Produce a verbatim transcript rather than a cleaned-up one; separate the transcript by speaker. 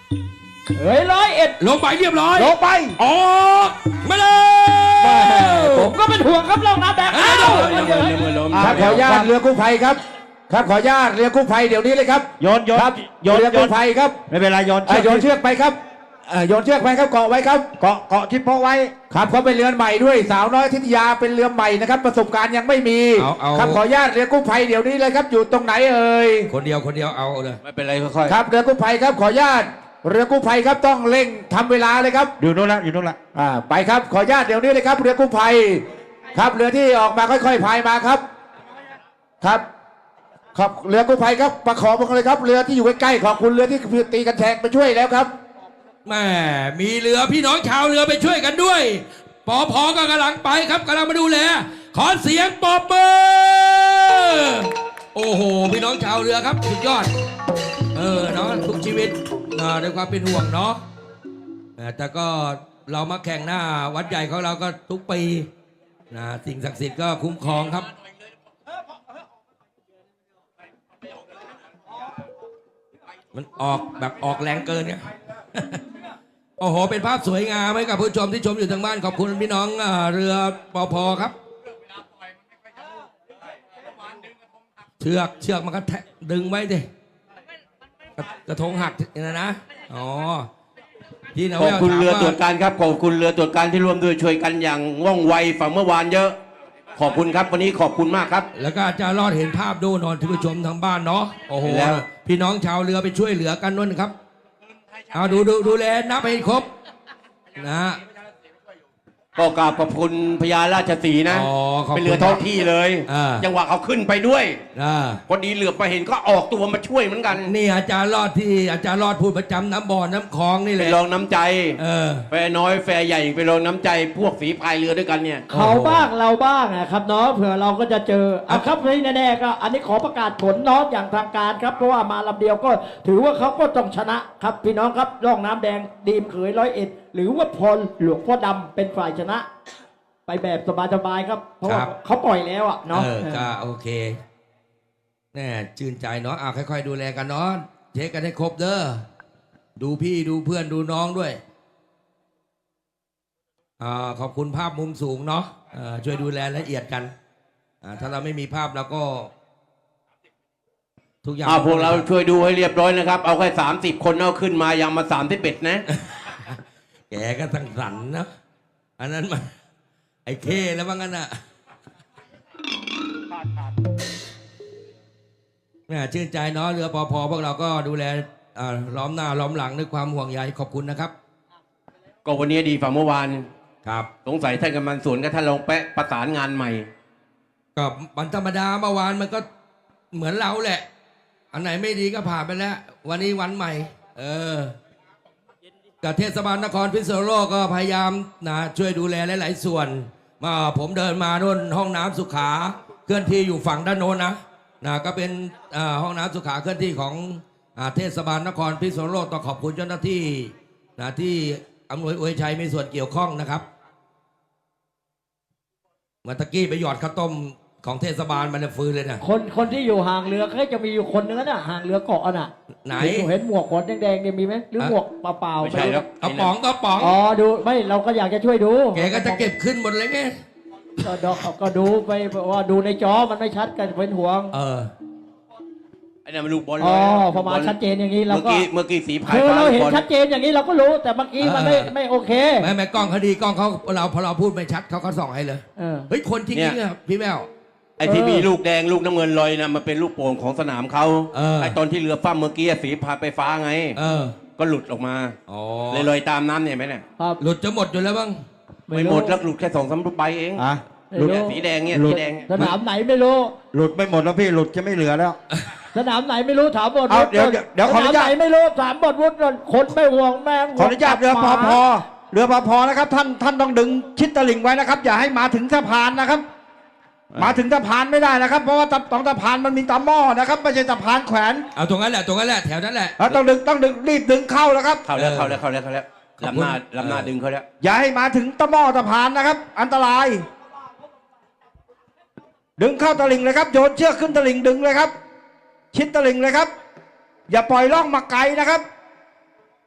Speaker 1: เฮ้ยร้อยเอ็ด
Speaker 2: ลงไปเรียบร้อย
Speaker 1: ลงไป
Speaker 2: ออกมาเลย
Speaker 1: ผมก็เป็นห่วงครับล่องน้ำแดงอ้าว
Speaker 3: ครับขออนุญาตเรือกู้ภัยครับครับขออนุญาตเรือกู้ภัยเดี๋ยวนี้เลยครับ
Speaker 1: โยนโยน
Speaker 3: ครับโยนเรือกู้ภัยครับ
Speaker 1: ไม่เป็นไรโยน
Speaker 3: โยนเชือกไปครับโยนเชือกไปครับเกาะไว้ครับ
Speaker 1: เกาะเกาะที่เพาะไว้
Speaker 3: ครับเขาเป็นเรือใหม่ด้วยสาวน้อยทิทยาเป็นเรือใหม่นะครับประสบการณ์ยังไม่มีครับขออนุญาตเรือกู้ภัยเดี๋ยวนี้เลยครับอยู่ตรงไหนเอ่ย
Speaker 2: คนเดียวคนเดียวเอาเลย
Speaker 1: ไม่เป็นไรค่อย
Speaker 3: ๆครับเรือกู้ภัยครับขออนุญาตเรือกู้ภัยครับต้องเร่งทำเวลาเลยครับ
Speaker 1: อยู่โน่นละอยู่โน่นละ
Speaker 3: อ่าไปครับขออนุญาตเดี๋ยวนี้เลยครับเรือกู้ภัยครับเรือที่ออกมาค่อยๆพายมาครับครับครับเรือกู้ภัยครับประคองมาเลยครับเรือที่อยู่ใกล้ๆขอบคุณเรือที่ตีกันแทงไปช่วยแล้วครับ
Speaker 2: แม่มีเรือพี่น้องชาวเรือไปช่วยกันด้วยปอพอก็กำลังไปครับกำลังมาดูแลขอเสียงปรบมือโอ้โหพี่น้องชาวเรือครับสุดยอดเออเนาะทุกชีวิตนะด้วยความเป็นห่วงเนาะแต่ก็เรามาแข่งหน้าวัดใหญ่ของเราก็ทุกปีนะสิ่งศักดิ์สิทธิ์ก็คุ้มครองครับมันออกแบบออกแรงเกินเนี่ยโอ้โหเป็นภาพสวยงามให้กับผู้ชมที่ชมอยู่ทางบ้านขอบคุณพี่น้องเรือปอพอครับเชือกเชือกมันก็ดึงไว้ดิกระทงหักนะนะอ๋อ
Speaker 1: ที่ขอบคุณเรือตรวจการครับขอบคุณเรือตรวจการที่ร่วมด้วยช่วยกันอย่างว่องไวฝั่งเมื่อวานเยอะขอบคุณครับวันนี้ขอบคุณมากครับ
Speaker 2: แล้วก็จะรอดเห็นภาพดูนอนที่ผู้ชมทางบ้านเนาะโอ้โหพี่น้องชาวเรือไปช่วยเหลือกันนั่นครับเอาดูดูดูแลนับให้ครบนะ
Speaker 1: ก็กราบขอบคุณพญาราชสีนะเป็นเรือท้องที่เลยจังหวะเขาขึ้นไปด้วยพอดีเหลือบไปเห็นก็ออกตัวมาช่วยเหมือนกัน
Speaker 2: นี่อาจารย์รอดที่อาจารย์รอดพูดประจำน้ำบ่อน้ำคลองนี่แหละ
Speaker 1: ไปลองน้ำใจแฟน้อยแฟใหญ่ไปลองน้ำใจพวกฝีพายเรือด้วยกันเนี่ย
Speaker 4: เขาบ้างเราบ้างนะครับเนาะเผื่อเราก็จะเจอเอาครับนี่แน่ๆก็อันนี้ขอประกาศผลเนาะอย่างทางการครับเพราะว่ามาลำเดียวก็ถือว่าเขาก็ต้องชนะครับพี่น้องครับร่องน้ำแดงดีมเขยร้อยเอ็ดหรือว่าพลหลวงพ่อดำเป็นฝ่ายชนะไปแบบสบายๆครับเพราะว่าเขาปล่อยแล้วอ่ะเนาะ
Speaker 2: เออก็โอเคแน่ชื่นใจเนาะอ่ะค่อยๆดูแลกันเนาะเช็คกันให้ครบเด้อดูพี่ดูเพื่อนดูน้องด้วยอ่าขอบคุณภาพมุมสูงเนาะอ่าช่วยดูแลละเอียดกันอ่าถ้าเราไม่มีภาพเราก็ทุกอย่าง
Speaker 1: พวกเราช่วยดูให้เรียบร้อยนะครับเอาแค่สามสิบคนเอาขึ้นมายังมาสามที่เป็ดนะ
Speaker 2: แกก็สั่งสรรนะอันนั้นมาไอ้เคแล้วบ้างกันอ่ะเนี่ยชื่นใจเนาะเรือปอพอพวกเราก็ดูแลล้อมหน้าล้อมหลังด้วยความห่วงใยขอบคุณนะครับ
Speaker 1: ก็วันนี้ดีฝ่าเมื่อวาน
Speaker 2: ครับ
Speaker 1: สงสัยท่านกำนันสวนกับท่านรองแปะประสานงานใหม่
Speaker 2: ก็วันธรรมดาเมื่อวานมันก็เหมือนเราแหละอันไหนไม่ดีก็ผ่านไปแล้ววันนี้วันใหม่เออกับเทศบาลนครพิษณุโลกก็พยายามนะช่วยดูแลหลายๆส่วนมาผมเดินมาโน่นห้องน้ำสุขาเคลื่อนที่อยู่ฝั่งด้านโน้นนะนะก็เป็นห้องน้ำสุขาเคลื่อนที่ของเทศบาลนครพิษณุโลกต้องขอบคุณเจ้าหน้าที่นะที่อำนวยอวยชัยมีส่วนเกี่ยวข้องนะครับเมื่อตะกี้ไปหยอดข้าวต้มของเทศบาลมันจะฟื้นเลยนะ
Speaker 4: คนคนที่อยู่ห่างเรือก็จะมีอยู่คนนึงน่ะห่างเรือเกาะน่ะ
Speaker 2: ไหน
Speaker 4: เห็นหมวกขนแดงๆเนี่ยมีไหมหรือหมวกเปล่าๆ
Speaker 1: ไม่ใช่ครับ
Speaker 2: กระป๋องกระป๋อง
Speaker 4: อ๋อดูไม่เราก็อยากจะช่วยดู
Speaker 2: แกก็จะเก็บขึ้นหมดเลยไง
Speaker 4: ก็ดอกก็ดูไปว่าดูในจอมันไม่ชัดกันเป็นห่วง
Speaker 2: เออ
Speaker 1: ไอ้นี่มันลูกบอล
Speaker 4: อ๋อพอมาชัดเจนอย่างนี้เราก็
Speaker 1: เมื่อกี้สีพาย
Speaker 4: คือเราเห็นชัดเจนอย่างนี้เราก็รู้แต่เมื่อกี้มันไม่ไม่โอเค
Speaker 2: ไม่ไม่กล้องเขาดีกล้องเขาเราพอเราพูดไม่ชัดเขาก็ส่องให้เลยเฮ้ยคนจริงๆอ่ะพี่แมว
Speaker 1: ไอ้ที่มีลูกแดงลูกน้ำเงินลอยนะมันเป็นลูกโป่งของสนามเขาไอ้ตอนที่เรือฟ้าเมื่อกี้สีพาไปฟ้าไงก็หลุดออกมาเลยลอยตามน้ำเนี่ยไหมเนี่ย
Speaker 2: หลุดจะหมดอยู่แล้วบ้าง
Speaker 1: ไม่หมดแล้วหลุดแค่สองสามใบเองหลุดสีแดงเนี่ยสีแดง
Speaker 4: สนามไหนไม่รู้
Speaker 3: หลุดไม่หมดแล้วพี่หลุดจะไม่เหลือแล้ว
Speaker 4: สนามไหนไม่รู้ถามบท
Speaker 3: วุฒิเดี๋ยวเดี๋ยวขออนุญาต
Speaker 4: ไหนไม่รู้ถามบทวุฒิคนไม่ห่วงแม่
Speaker 3: ขออนุญาตเรือปอพอเรือปอพอนะครับท่านท่านต้องดึงชิดตลิ่งไว้นะครับอย่าให้มาถึงสะพานนะครับมาถึงสะพานไม่ได้นะครับเพราะว่าตรงสะพานมันมีตะหม้อนะครับไม่ใช่สะพานแขวน
Speaker 2: เอาตรงนั้นแหละตรงนั้นแหละแถวนั้นแหละ
Speaker 3: ต้องดึงต้องดึงรีบดึงเข้าแล้วครับ
Speaker 1: เข้าแล้วเข้าแล้วเข้าแล้วเข้าแล้วลำหน้าลำหน้าดึงเขาแล้ว
Speaker 3: อย่าให้มาถึงตะหม้อสะพานนะครับอันตรายดึงเข้าตลิ่งเลยครับโยนเชือกขึ้นตลิ่งดึงเลยครับชิดตลิ่งเลยครับอย่าปล่อยล่องมาไกลนะครับ